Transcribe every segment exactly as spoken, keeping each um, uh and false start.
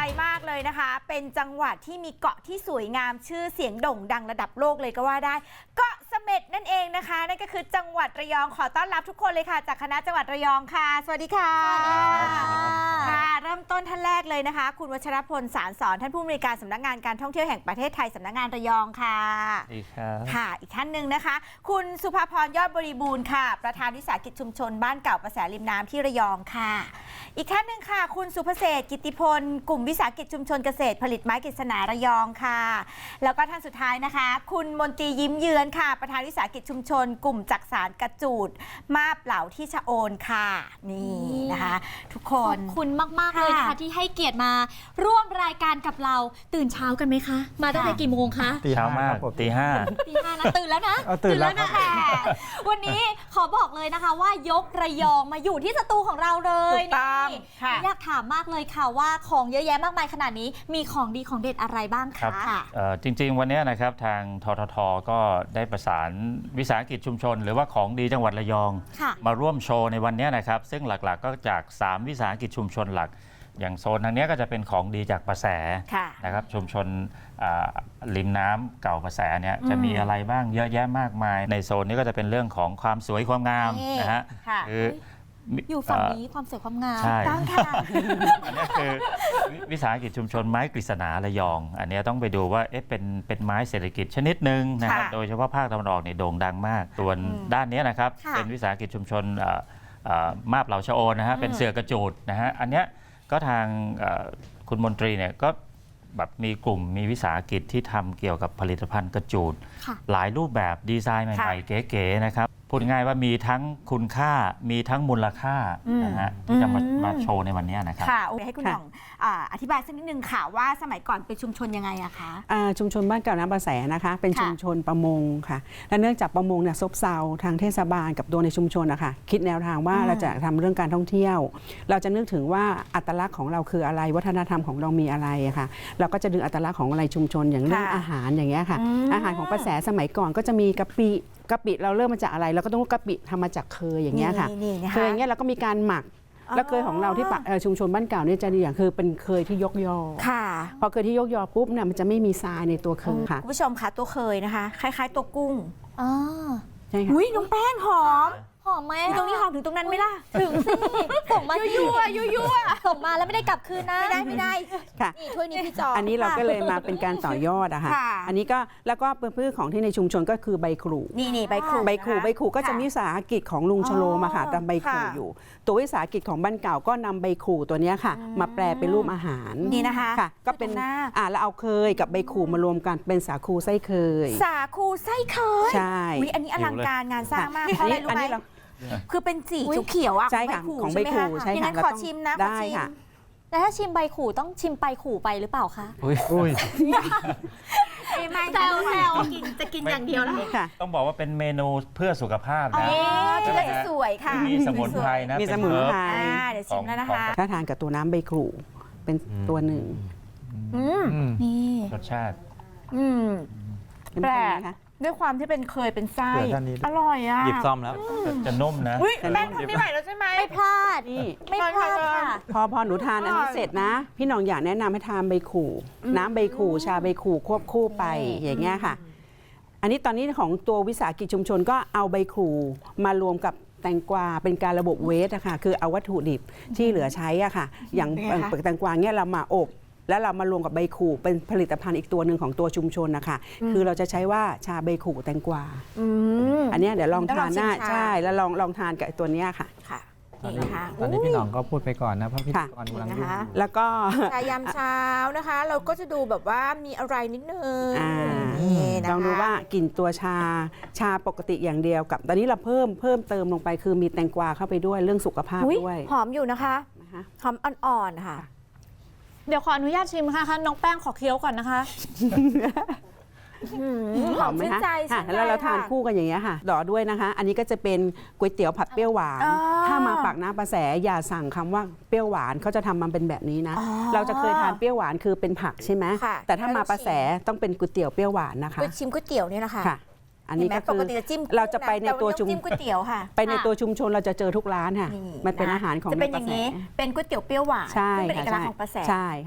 มากเลยนะคะเป็นจังหวัดที่มีเกาะที่สวยงามชื่อเสียงโด่งดังระดับโลกเลยก็ว่าได้เกาะเสม็ดนั่นเองนะคะนั่นก็คือจังหวัดระยองขอต้อนรับทุกคนเลยค่ะจากคณะจังหวัดระยองค่ะสวัสดีค่ะค่ะเริ่มต้นท่านแรกเลยนะคะคุณวัชรพลสารสอนท่านผู้อำนวยการสำนักงานการท่องเที่ยวแห่งประเทศไทยสำนักงานระยองค่ะสวัสดีครับค่ะอีกท่านหนึ่งนะคะคุณสุภาพรยอดบริบูรณ์ค่ะประธานวิสาหกิจชุมชนบ้านเก่าประแสริมน้ำที่ระยองค่ะอีกท่านหนึ่งค่ะคุณสุภเศรษฐ์กิตติพลกลุ่มวิสาหกิจชุมชนเกษตรผลิตไม้กฤษณาระยองค่ะแล้วก็ท่านสุดท้ายนะคะคุณมนตรียิ้มเยือนค่ะประธานวิสาหกิจชุมชนกลุ่มจักสานกระจูดมาบเหล่าที่ชะโอนค่ะนี่นะคะทุกคนขอบคุณมากๆเลยนะคะที่ให้เกียรติมาร่วมรายการกับเราตื่นเช้ากันไหมคะมาตั้งแต่กี่โมงคะเช้ามากตีห้าตีห้านะตื่นแล้วนะตื่นแล้วนะวันนี้ขอบอกเลยนะคะว่ายกระยองมาอยู่ที่สตูของเราเลยนี่อยากถามมากเลยค่ะว่าของเยอะแยะมากมายขนาดนี้มีของดีของเด็ดอะไรบ้างคะจริงๆวันนี้นะครับทางททท.ก็ได้ประสานวิสาหกิจชุมชนหรือว่าของดีจังหวัดระยองมาร่วมโชว์ในวันนี้นะครับซึ่งหลักๆก็จากสามวิสาหกิจชุมชนหลักอย่างโซนทางนี้ก็จะเป็นของดีจากประแสนะครับชุมชนริมน้ำเก่าประแสเนี่ยจะมีอะไรบ้างเยอะแยะมากมายในโซนนี้ก็จะเป็นเรื่องของความสวยความงามนะฮะคืออยู่ฝั่งนี้ความสวยความงามใช่ต้องค่ะอันนี้คือวิสาหกิจชุมชนไม้กฤษณาระยองอันนี้ต้องไปดูว่าเอ๊ะเป็นเป็นไม้เศรษฐกิจชนิดหนึ่งนะครับโดยเฉพาะภาคตะวันออกเนี่ยโด่งดังมากส่วนด้านนี้นะครับเป็นวิสาหกิจชุมชนมาบเหล่าชะโอนนะฮะเป็นเสือกระจูดนะฮะอันเนี้ยก็ทางคุณมนตรีเนี่ยก็แบบมีกลุ่มมีวิสาหกิจที่ทำเกี่ยวกับผลิตภัณฑ์กระจูดหลายรูปแบบดีไซน์ใหม่ๆเก๋ๆนะครับพูดง่ายว่ามีทั้งคุณค่ามีทั้งมูลค่านะฮะที่จะมามาโชว์ในวันนี้นะครับค่ะให้คุณหน่องอธิบายสักนิดนึงค่ะว่าสมัยก่อนเป็นชุมชนยังไงอะคะชุมชนบ้านเก่าน้ำประแสนะคะเป็นชุมชนประมงค่ะและเนื่องจากประมงเนี่ยซบเซาทางเทศบาลกับตัวในชุมชนนะคะคิดแนวทางว่าเราจะทำเรื่องการท่องเที่ยวเราจะนึกถึงว่าอัตลักษณ์ของเราคืออะไรวัฒนธรรมของเรามีอะไรค่ะเราก็จะดึงอัตลักษณ์ของอะไรชุมชนอย่างเรื่องอาหารอย่างเงี้ยค่ะอาหารของประแสสมัยก่อนก็จะมีกะปิกะปิเราเริ่มมาจากอะไรเราก็ต้องกะปิทำมาจากเคยอย่างเงี้ยค่ะเคยอย่างเงี้ยเราก็มีการหมักแล้วเคยของเราที่ชุมชนบ้านเก่าเนี่ยจะดีอย่างคือเป็นเคยที่ยกยอค่ะพอเคยที่ยกยอปุ๊บเนี่ยมันจะไม่มีทรายในตัวเคยค่ะคุณผู้ชมคะตัวเคยนะคะคล้ายๆตัวกุ้งอ๋อใช่ค่ะอุ้ยน้องแป้งหอมหอมไหมตรงนี้หอมถึงตรงนั้นไหมล่ะถึงสิส่งมายั่วยั่วยั่วส่งมาแล้วไม่ได้กลับคืนนะไม่ได้ไม่ได้ค่ะนี่ถ้วยนี้พี่จออันนี้เราก็เลยมาเป็นการต่อยอดอะค่ะอันนี้ก็แล้วก็พืชของที่ในชุมชนก็คือใบขรูนี่นี่ใบขรูใบขรูใบขรูก็จะมีวิสาหกิจของลุงชโลมาค่ะทำใบขรูอยู่ตัววิสาหกิจของบ้านเก่าก็นำใบขรูตัวนี้ค่ะมาแปลเป็นรูปอาหารนี่นะคะค่ะก็เป็นอ่าแล้วเอาเคยกับใบขรูมารวมกันเป็นสาคูไส้เคยสาคูไส้เคยใช่อันนี้อลังการงานสร้างมากเพราะอะไรรู้ไหมคือเป็นสีเขียวๆอ่ะใช่ค่ะของใบขู่ใช่ค่ะขอชิมนะได้ค่ะแล้วถ้าชิมใบขู่ต้องชิมใบขู่ไปหรือเปล่าคะอุ้ยไม่แซวแซวกินจะกินอย่างเดียวแล้วค่ะต้องบอกว่าเป็นเมนูเพื่อสุขภาพนะที่เราจะสวยค่ะมีสมุนไพรนะมีสมุนไพรเดี๋ยวชิมแล้วนะคะถ้าทานกับตัวน้ำใบขู่เป็นตัวหนึ่งนี่รสชาติแปลกด้วยความที่เป็นเคยเป็นไส้อร่อยอ่ะหยิบซ่อมแล้วจะนุ่มนะแป้งทำไม่ไหวแล้วใช่ไหมไม่พลาดนี่ไม่พลาดค่ะพอพอหนูทานอันนี้เสร็จนะพี่น้องอยากแนะนำให้ทานใบขู่น้ำใบขู่ชาใบขู่ควบคู่ไปอย่างเงี้ยค่ะอันนี้ตอนนี้ของตัววิสาหกิจชุมชนก็เอาใบขู่มารวมกับแตงกวาเป็นการระบบเวสอะค่ะคือเอาวัตถุดิบที่เหลือใช้อะค่ะอย่างแตงกวาเนี่ยเรามาอบแล้วเรามารวมกับใบขู่เป็นผลิตภัณฑ์อีกตัวหนึ่งของตัวชุมชนนะคะคือเราจะใช้ว่าชาใบขู่แตงกวาอันนี้เดี๋ยวลองทานหน้าใช่แล้วลองลองทานกับตัวนี้ค่ะค่ะนี่นะคะตอนนี้พี่หน่องก็พูดไปก่อนนะเพราะพี่กรกำลังยุ่งแล้วก็ชายามเช้านะคะ เราก็จะดูแบบว่ามีอะไรนิดนึงลองดูว่ากลิ่นตัวชาชาปกติอย่างเดียวกับตอนนี้เราเพิ่มเพิ่มเติมลงไปคือมีแตงกวาเข้าไปด้วยเรื่องสุขภาพด้วยหอมอยู่นะคะหอมอ่อนๆค่ะเดี๋ยวขออนุญาตชิมค่ะน้องแป้งขอเคี้ยวก่อนนะคะหอมไหมคะแล้วเราทานคู่กันอย่างเงี้ยค่ะต่อด้วยนะคะอันนี้ก็จะเป็นก๋วยเตี๋ยวผัดเปรี้ยวหวานถ้ามาปากน้ำประแสอย่าสั่งคำว่าเปรี้ยวหวานเขาจะทำมันเป็นแบบนี้นะเราจะเคยทานเปรี้ยวหวานคือเป็นผักใช่ไหมแต่ถ้ามาประแสต้องเป็นก๋วยเตี๋ยวเปรี้ยวหวานนะคะชิมก๋วยเตี๋ยวเนี่ยนะคะอันนี้ก็คือเราจะไปในตัวชุมก๋วยเตี๋ยวค่ะไปในตัวชุมชนเราจะเจอทุกร้านค่ะมันเป็นอาหารของจะเป็นอย่างนี้เป็นก๋วยเตี๋ยวเปรี้ยวหวานใช่เป็นเอกลักษณ์ของประแสใช่ค่ะ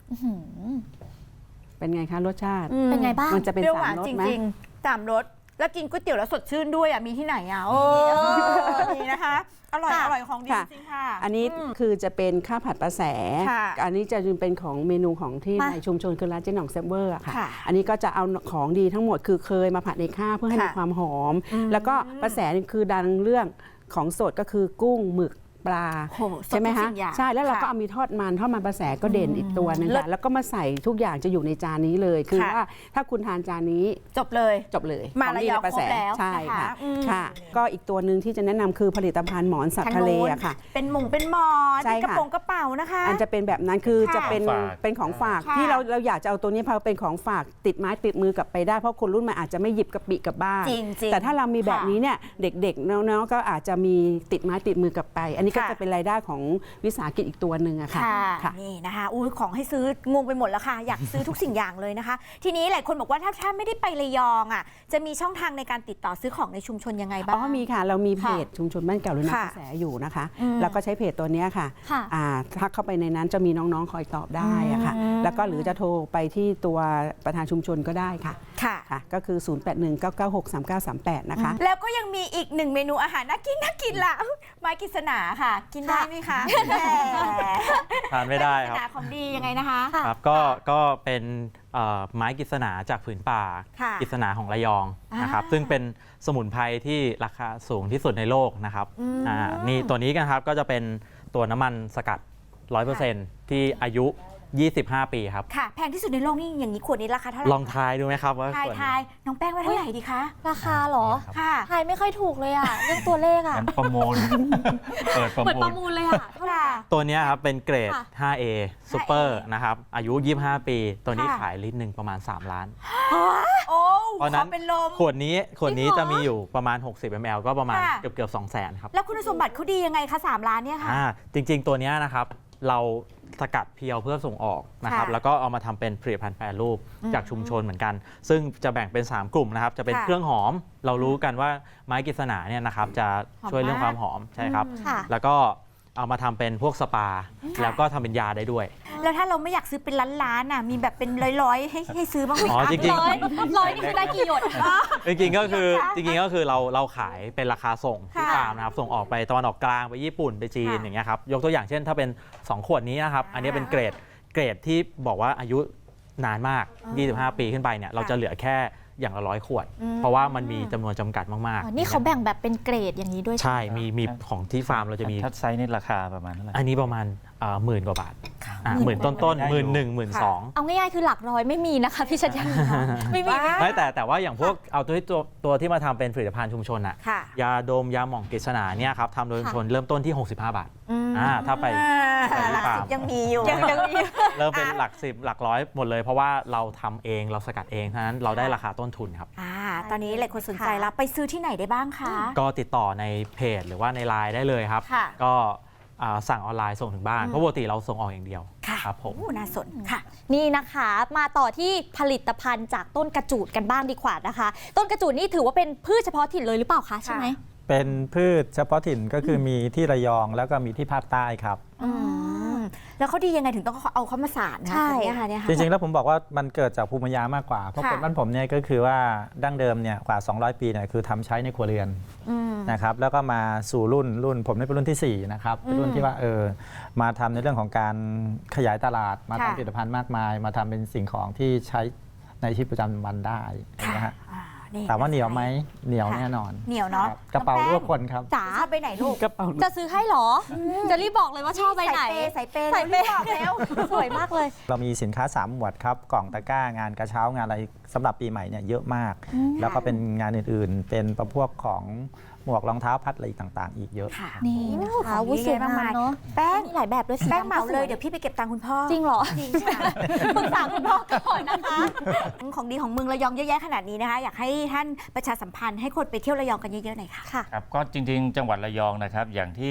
อื้อหือเป็นไงคะรสชาติอืมเป็นไงบ้างมันจะเป็นเปรี้ยวหสามวานรสจไหมริงๆสามรสแล้วกินก๋วยเตี๋ยวแล้วสดชื่นด้วยอ่ะมีที่ไหนอ่ะโอ้นี่นะคะ อร่อยค่ะอร่อยของดีค่ะจริงค่ะอันนี้มคือจะเป็นข้าวผัดปลาแสค่ะอันนี้จะเป็นของเมนูของที่มาในชุมชนคือร้านเจ๊หน่องเซฟเวอร์อะค่ะค่ะอันนี้ก็จะเอาของดีทั้งหมดคือเคยมาผัดในข้าวเพื่อให้มีค่ะความหอมอืมแล้วก็ปลาแสนี่คือดังเรื่องของสดก็คือกุ้งหมึกปลาโอ้โหสดใช่ไหมทุกคะสิ่งอย่างใช่แล้วเราก็ค่ะเอามีทอดมันทอดมันปลาแสก็เด่นอีกตัวหนึงเลิศค่ะแล้วก็มาใส่ทุกอย่างจะอยู่ในจานนี้เลย คือค่ะว่าถ้าคุณทานจานนี้จบเลยจบเลยมาของดีระยองในปลาแสครบแล้วใช่นะคะค่ะอืมค่ะ ก็อีกตัวหนึ่งที่จะแนะนำคือผลิตภัณฑ์หมอนสัตว์ทะเลอะค่ะเป็นหมงเป็นหมอนใช่เป็นกระค่ะโปรงกระเป๋านะคะอันจะเป็นแบบนั้นคือค่ะจะเป็นของฝากเป็นของฝากค่ะที่เราเราอยากจะเอาตัวนี้พอเป็นของฝากติดไม้ติดมือกลับไปได้เพราะคนรุ่นใหม่อาจจะไม่หยิบกระปิกลับบ้านจริงจริงแต่ถ้าเรามีแบบนี้เนี่ยเด็กๆน้องๆก็อาจจะมีติดไม้ติดมือกลับไป อันนี้ก็ค่ะจะเป็นรายได้ของวิสาหกิจอีกตัวหนึ่งอะค่ะค่ะค่ะนี่นะคะอุ้ยของให้ซื้องงไปหมดแล้วค่ะ อยากซื้อทุกสิ่งอย่างเลยนะคะ ทีนี้หลายคนบอกว่าถ้าถ้าไม่ได้ไประยองอ่ะจะมีช่องทางในการติดต่อซื้อของในชุมชนยังไงบ้างอ๋อมีค่ะ เรามีเพจชุมชนบ้านเก่าหรือนาค่ะกระแสอยู่นะคะอืมแล้วก็ใช้เพจตัวเนี้ยค่ะค่ะอ่าถ้าเข้าไปในนั้นจะมีน้องๆคอยตอบได้อะค่ะอืมแล้วก็หรือจะโทรไปที่ตัวประธานชุมชนก็ได้ค่ะค่ะค่ะก็คือ ศูนย์ แปด หนึ่ง เก้า เก้า หก สาม เก้า สาม แปด นะคะแล้วก็ยังมีอีกหนึ่งเมนูอาหารน่ากินน่ากินละไม้กฤษณาค่ะ กินได้ไหมคะแหมทานไม่ได้คไม้กฤษรับณาของดียังไงนะคะค่ะครับก็ก็เป็นเอ่อไม้กฤษณาจากผืนป่าค่ะกฤษณาของระยองนะครับอ่าซึ่งเป็นสมุนไพรที่ราคาสูงที่สุดในโลกนะครับอืมอ่านี่ตัวนี้กันครับก็จะเป็นตัวน้ำมันสกัด ร้อยเปอร์เซ็นต์ ที่อายุ ยี่สิบห้า ปีครับค่ะ แพงที่สุดในโลกนี่อย่างนี้ขวดนี้ราคาเท่าไหร่ลองทายดูไหมครับว่าทายส่วนทายน้องแป้งว่าเท่าไหร่ดีคะราคาเหรอค่ะทายไม่ค่อยถูกเลยอ่ะ เรื่องตัวเลขอ่ะงั้นประมูล เปิดประเหมือนมูปลระมูลเลยอ่ะ เท่าไหร่ตัวเนี้ยครับเป็นเกรดค่ะไฟว์เอ Super นะครับอายุ ยี่สิบห้า ปี ตัวนี้ค่ะขายลิตรหนึ่งประมาณ สาม ล้านโอ้เพราะขนั้อน เป็นลมขวดนี้ขวดนี้จริงเหรอจะมีอยู่ประมาณ หกสิบมิลลิลิตร ก็ประมาณค่ะเกือบเกือบสองแสนครับแล้วคุณสมบัติเขาดียังไงคะสามล้านเนี่ยค่ะอ่าจริง ๆ ตัวเนี้ยนะครับเราสกัดเพียวเพื่อส่งออกนะครับค่ะแล้วก็เอามาทำเป็นผลิตภัณฑ์แปรรูปอืมจากชุมชนเหมือนกัน ซึ่งจะแบ่งเป็น สาม กลุ่มนะครับ จะเป็นค่ะเครื่องหอม เรารู้กันว่าไม้กฤษณาเนี่ยนะครับจะหอมช่วยเรื่องมากความหอมใช่ครับอืมค่ะแล้วก็เอามาทำเป็นพวกสปา แล้วก็ทำเป็นยาได้ด้วยแล้วถ้าเราไม่อยากซื้อเป็นล้านๆน่ะมีแบบเป็นร้อยๆให้ให้ซื้อบ้างไหมอ๋อคะจริงร้อยร้อยนี่คือได้กี่หยดจริงๆก็คือค่ะจริงๆก็คือเราเราขายเป็นราคาส่งที่ค่ะฟาร์มนะครับส่งออกไปตะวันออกกลางไปญี่ปุ่นไปจีนค่ะอย่างเงี้ยครับยกตัวอย่างเช่นถ้าเป็นสองขวดนี้นะครับอ่าอันนี้เป็นเกรดเกรดที่บอกว่าอายุนานมากอ่ายี่สิบห้า ปีขึ้นไปเนี่ยเราจะเหลือแค่อย่างละร้อยขวดอืมเพราะว่ามันมีจำนวนจำกัดมากอ๋อนี่เขาแบ่งแบบเป็นเกรดอย่างนี้ด้วยใช่ใช่ไหมมีมีของที่ฟาร์มเราจะมีทัดไซส์นี่ราคาประมาณเท่าไหร่อันนี้ประมาณหมื่นกว่าบาทอ่าหหมื่มื่นนต้นต้นได้หอยู่มื่นหนึ่งหมื่นสองเอาง่ายๆคือหลักร้อยไม่มีนะคะพี่ชัดยันไม่มีไม่มีไม่แต่แต่ว่าอย่างพวกเอาตัวที่ตัวตัวที่มาทำเป็นผลิตภัณฑ์ชุมชนอะค่ะยาดมยาหม่องกฤษณาเนี่ยครับทำโดยชุมชนเริ่มต้นที่ หกสิบห้า บาท อ่าถ้าไปอ่าไปหลักฟาสิร์บมยังมีอยู่ยังยังมีเริ่มเป็นหลักสิบหลักร้อยหมดเลย เพราะว่าเราทำเองเราสกัดเองเพราะฉะนั้นเราได้ราคาต้นทุนครับอ่าตอนนี้หลายคนสนใจแล้วไปซื้อที่ไหนได้บ้างคะก็ติดต่อในเพจหรือว่าในไลน์ได้เลยครับค่ะก็อ่าสั่งออนไลน์ส่งถึงบ้านอืมเพราะปกติเราส่งออกอย่างเดียวค่ะครับผมโอ้น่าสนค่ะนี่นะคะมาต่อที่ผลิตภัณฑ์จากต้นกระจูดกันบ้างดีกว่านะคะ ต้นกระจูดนี่ถือว่าเป็นพืชเฉพาะถิ่นเลยหรือเปล่าคะใช่ไหมเป็นพืชเฉพาะถิ่นก็คือมีที่ระยองแล้วก็มีที่ภาคใต้ครับอืมแล้วเขาดียังไงถึงต้องเอาเขามาสานนะใช่เนี่ยค่ะเนี่ยค่ะจริงๆแล้วผมบอกว่ามันเกิดจากภูมิปัญญามากกว่า เพราะค่ะคนบ้านผมเนี่ยก็คือว่าดั้งเดิมเนี่ยกว่า สองร้อย ปีเนี่ยคือทำใช้ในครัวเรือนอืมนะครับแล้วก็มาสู่รุ่นรุ่นผมนี่เป็นรุ่นที่สี่นะครับเป็นรุ่นที่ว่าเออมาทำในเรื่องของการขยายตลาดมาค่ะทำผลิตภัณฑ์มากมาย มาทำเป็นสิ่งของที่ใช้ในชีวิตประจำวันได้นะฮะอ่านี่ถามว่าเหนียวไหมเหนียวค่ะแน่นอนเหนียวเนาะครับกระเป๋ารูปคนครับจ๋าชอบไปไหนลูกกระเป๋าจะซื้อให้เหรออจะรีบบอกเลยว่าชอบไปไหนใส่เปย์ใส่ใส่เปเปย์ย์บอกแล้วสวยมากเลยเรามีสินค้าสามหมวดครับกล่องตะกร้างานกระเช้างานอะไรสำหรับปีใหม่เนี่ยเยอะมาก แล้วก็เป็นงานอื่นๆ เป็นประพวกของหมวกรองเท้าพัดอะไรต่างๆ อีกเยอะค่ะนี่นะคะโอ้โหวุ้ยสวยของดีเยอะมากมากมายเนาะแป้งมีหลายแบบด้วยสีแป้งดำเหมาเลยก็สเดี๋ยวพี่ไปเก็บตังค์คุณพ่อจริงเหรอจริงค่ะปรึกษาคุณพ่อก่อนนะคะของดีของเมืองระยองเยอะแยะขนาดนี้นะคะ อยากให้ท่านประชาสัมพันธ์ให้คนไปเที่ยวระยองกันเยอะๆหน่อยค่ะค่ะครับก็จริงๆ จังหวัดระยองนะครับอย่างที่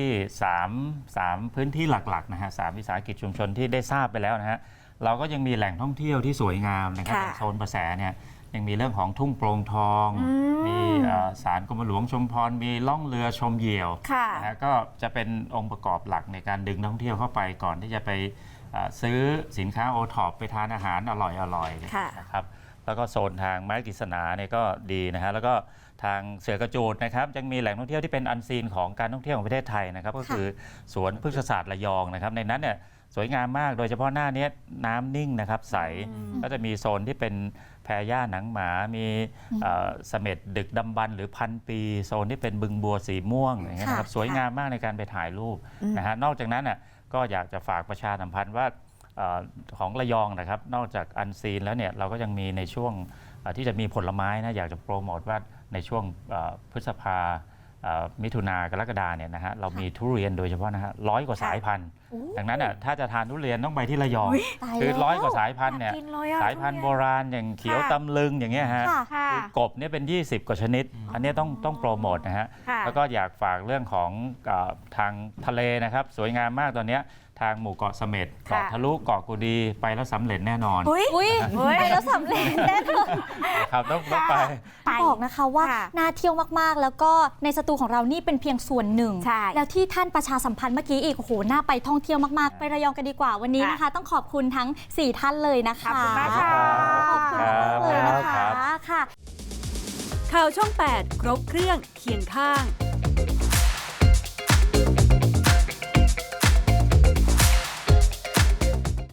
3 3พื้นที่หลักๆนะฮะสามวิสาหกิจชุมชนที่ได้ทราบไปแล้วนะฮะเราก็ยังมีแหล่งท่องเที่ยวที่สวยงามนะครับค่ะอย่างโซนประแสเนี่ยยังมีเรื่องของทุ่งโปร่งทองอืมมีเอ่อศาลกรมหลวงชุมพรมีล่องเรือชมเหยี่ยวค่ะนะฮะก็จะเป็นองค์ประกอบหลักในการดึงนักท่องเที่ยวเข้าไปก่อนที่จะไปอ่าซื้อสินค้าโอท็อปไปทานอาหารอร่อยอร่อยค่ะนะครับแล้วก็โซนทางไม้กฤษณาเนี่ยก็ดีนะฮะแล้วก็ทางเสือกระจูดนะครับยังมีแหล่งท่องเที่ยวที่เป็นอันซีนของการท่องเที่ยวของประเทศไทยนะครับก็คือสวนพฤกษศาสตร์ระยองนะครับในนั้นเนี่ยสวยงามมากโดยเฉพาะหน้านี้น้ำนิ่งนะครับใสก็จะมีโซนที่เป็นแพหญ้าหนังหมา มีเอ่อเสม็ดดึกดำบรรพ์หรือพันปี โซนที่เป็นบึงบัวสีม่วงอย่างเงี้ยนะครับค่ะสวยงามมากในการไปถ่ายรูปนะฮะนอกจากนั้นน่ะก็อยากจะฝากประชาสัมพันธ์ว่าเอ่อของระยองนะครับนอกจากอันซีนแล้วเนี่ยเราก็ยังมีในช่วงเอ่อที่จะมีผลไม้นะอยากจะโปรโมทว่าในช่วงเอ่อพฤษภาเอ่อมิถุนากรกฎาเนี่ยนะฮะเรามีทุเรียนโดยเฉพาะนะฮะร้อยกว่าสายพันธุ์ ดังนั้นอ่ะถ้าจะทานทุเรียนต้องไปที่ระยองตายคือแล้วร้อยกว่าสายพันธุ์เนี่ยอยากกินเลยอะสายพันธุ์ทุโบเรียนราณอย่างเขียวค่ะตำลึงอย่างเงี้ยฮะค่ะค่ะคือกบเนี่ยเป็น ยี่สิบ กว่าชนิด อันเนี้ยต้องต้องโปรโมทนะฮะค่ะแล้วก็อยากฝากเรื่องของเอ่อทางทะเลนะครับ สวยงามมากตอนเนี้ยทางหมู่เกาะเสม็ดเกาะทะลุเกาะกูดีไปแล้วสำเร็จแน่นอนอุ้ยอุ้ยเฮ้ยไปแล้วสำเร็จแน่นอนครับต้องต้องไปไปบอกนะคะว่าค่ะน่าเที่ยวมากๆ แล้วก็ในสตูของเรานี่เป็นเพียงส่วนหนึ่งใช่แล้วที่ท่านประชาสัมพันธ์เมื่อกี้อีกโอ้โหน่าไปท่องเที่ยวมากๆ ไประยองกันดีกว่าวันนี้นะคะ ต้องขอบคุณทั้งสี่ท่านเลยนะคะขอบคุณมากค่ะขอบคุณมากเลยนะคะค่ะข่าวช่อง แปด ครบเครื่องเคียงข้าง